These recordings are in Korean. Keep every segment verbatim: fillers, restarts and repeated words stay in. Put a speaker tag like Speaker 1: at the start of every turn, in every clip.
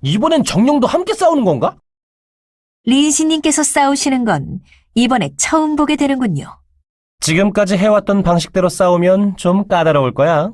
Speaker 1: 이번엔 정령도 함께 싸우는 건가?
Speaker 2: 린시님께서 싸우시는 건 이번에 처음 보게 되는군요.
Speaker 1: 지금까지 해왔던 방식대로 싸우면 좀 까다로울 거야.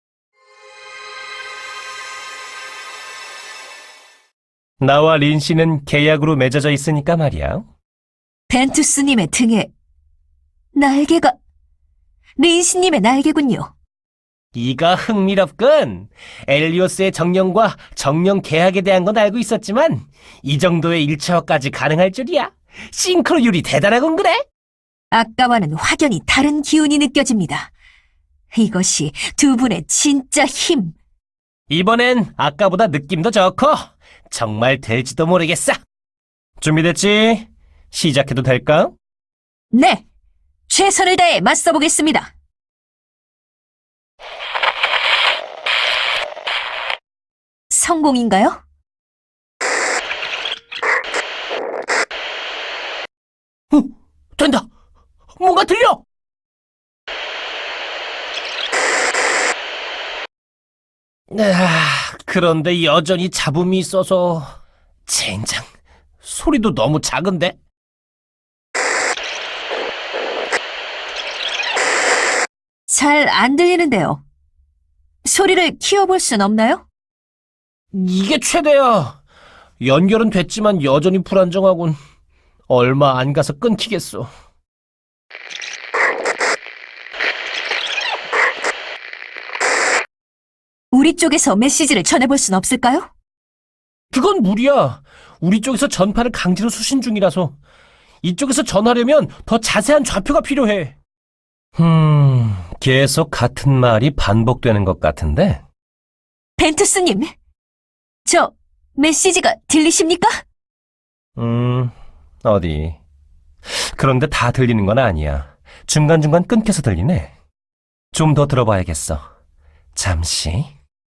Speaker 1: 나와 린 씨는 계약으로 맺어져 있으니까 말이야.
Speaker 2: 벤투스님의 등에 날개가 린시님의 날개군요.
Speaker 1: 이거 흥미롭군. 엘리오스의 정령과 정령 계약에 대한 건 알고 있었지만 이 정도의 일체화까지 가능할 줄이야. 싱크로율이 대단하군 그래?
Speaker 2: 아까와는 확연히 다른 기운이 느껴집니다. 이것이 두 분의 진짜 힘.
Speaker 1: 이번엔 아까보다 느낌도 좋고 정말 될지도 모르겠어. 준비됐지? 시작해도 될까?
Speaker 2: 네, 최선을 다해 맞서보겠습니다. 성공인가요?
Speaker 1: 어, 된다. 뭔가 들려. 아, 그런데 여전히 잡음이 있어서 젠장. 소리도 너무 작은데?
Speaker 2: 잘 안 들리는데요. 소리를 키워볼 순 없나요?
Speaker 1: 이게 최대야. 연결은 됐지만 여전히 불안정하군. 얼마 안 가서 끊기겠어.
Speaker 2: 우리 쪽에서 메시지를 전해볼 순 없을까요?
Speaker 1: 그건 무리야. 우리 쪽에서 전파를 강제로 수신 중이라서. 이쪽에서 전하려면 더 자세한 좌표가 필요해. 음, 계속 같은 말이 반복되는 것 같은데?
Speaker 2: 벤투스님, 저 메시지가 들리십니까?
Speaker 1: 음, 어디. 그런데 다 들리는 건 아니야. 중간중간 끊겨서 들리네. 좀 더 들어봐야겠어. 잠시.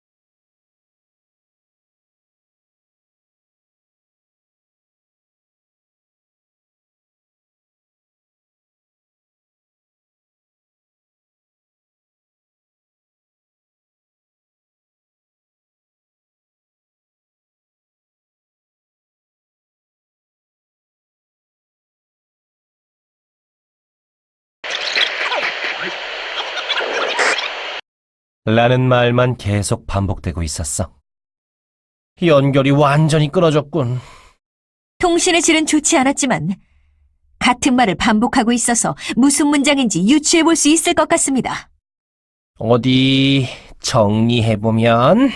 Speaker 1: 라는 말만 계속 반복되고 있었어. 연결이 완전히 끊어졌군.
Speaker 2: 통신의 질은 좋지 않았지만 같은 말을 반복하고 있어서 무슨 문장인지 유추해볼 수 있을 것 같습니다.
Speaker 1: 어디 정리해보면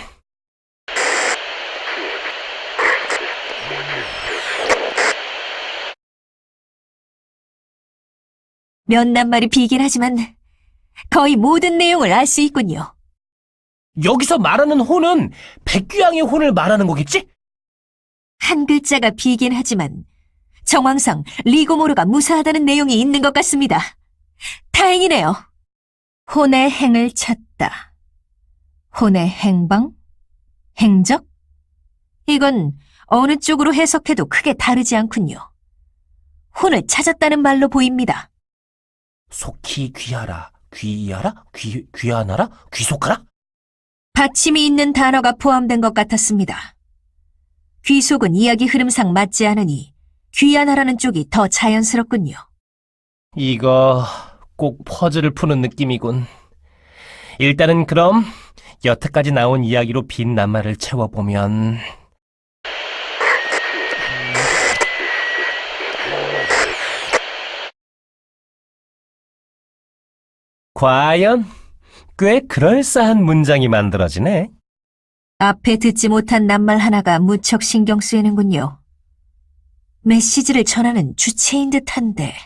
Speaker 2: 몇 낱말이 비긴 하지만 거의 모든 내용을 알 수 있군요.
Speaker 1: 여기서 말하는 혼은 백귀양의 혼을 말하는 거겠지?
Speaker 2: 한 글자가 비긴 하지만 정황상 리고모르가 무사하다는 내용이 있는 것 같습니다. 다행이네요. 혼의 행을 찾다. 혼의 행방? 행적? 이건 어느 쪽으로 해석해도 크게 다르지 않군요. 혼을 찾았다는 말로 보입니다.
Speaker 1: 속히 귀하라, 귀하라, 귀, 귀하나라, 귀속하라?
Speaker 2: 받침이 있는 단어가 포함된 것 같았습니다. 귀속은 이야기 흐름상 맞지 않으니 귀하나라는 쪽이 더 자연스럽군요.
Speaker 1: 이거 꼭 퍼즐을 푸는 느낌이군. 일단은 그럼 여태까지 나온 이야기로 빈 낱말을 채워보면 과연 꽤 그럴싸한 문장이 만들어지네.
Speaker 2: 앞에 듣지 못한 낱말 하나가 무척 신경 쓰이는군요. 메시지를 전하는 주체인 듯한데.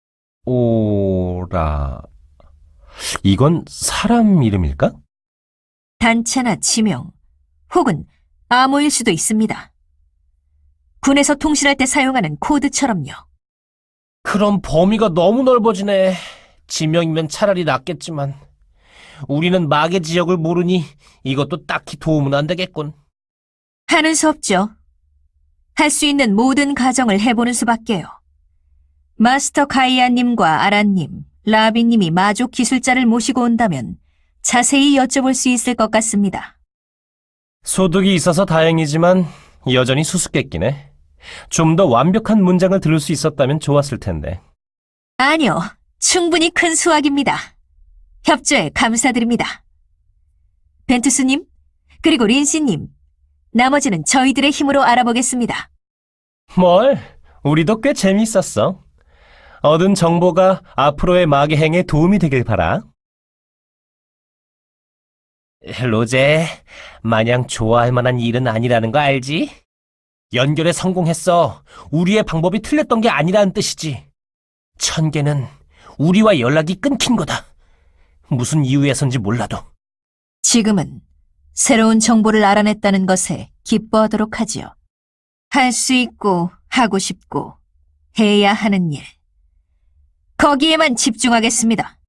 Speaker 1: 오라... 이건 사람 이름일까?
Speaker 2: 단체나 지명, 혹은 암호일 수도 있습니다. 군에서 통신할 때 사용하는 코드처럼요.
Speaker 1: 그럼 범위가 너무 넓어지네. 지명이면 차라리 낫겠지만 우리는 마계 지역을 모르니 이것도 딱히 도움은 안 되겠군.
Speaker 2: 하는 수 없죠. 할 수 있는 모든 가정을 해보는 수밖에요. 마스터 가이아님과 아라님, 라비님이 마족 기술자를 모시고 온다면 자세히 여쭤볼 수 있을 것 같습니다.
Speaker 1: 소득이 있어서 다행이지만 여전히 수수께끼네. 좀 더 완벽한 문장을 들을 수 있었다면 좋았을 텐데.
Speaker 2: 아니요, 충분히 큰 수확입니다. 협조에 감사드립니다. 벤투스님, 그리고 린시님, 나머지는 저희들의 힘으로 알아보겠습니다.
Speaker 1: 뭘? 우리도 꽤 재미있었어. 얻은 정보가 앞으로의 마계 행에 도움이 되길 바라. 로제, 마냥 좋아할 만한 일은 아니라는 거 알지? 연결에 성공했어. 우리의 방법이 틀렸던 게 아니라는 뜻이지. 천계는 우리와 연락이 끊긴 거다. 무슨 이유에선지 몰라도.
Speaker 2: 지금은 새로운 정보를 알아냈다는 것에 기뻐하도록 하지요. 할 수 있고 하고 싶고 해야 하는 일. 거기에만 집중하겠습니다.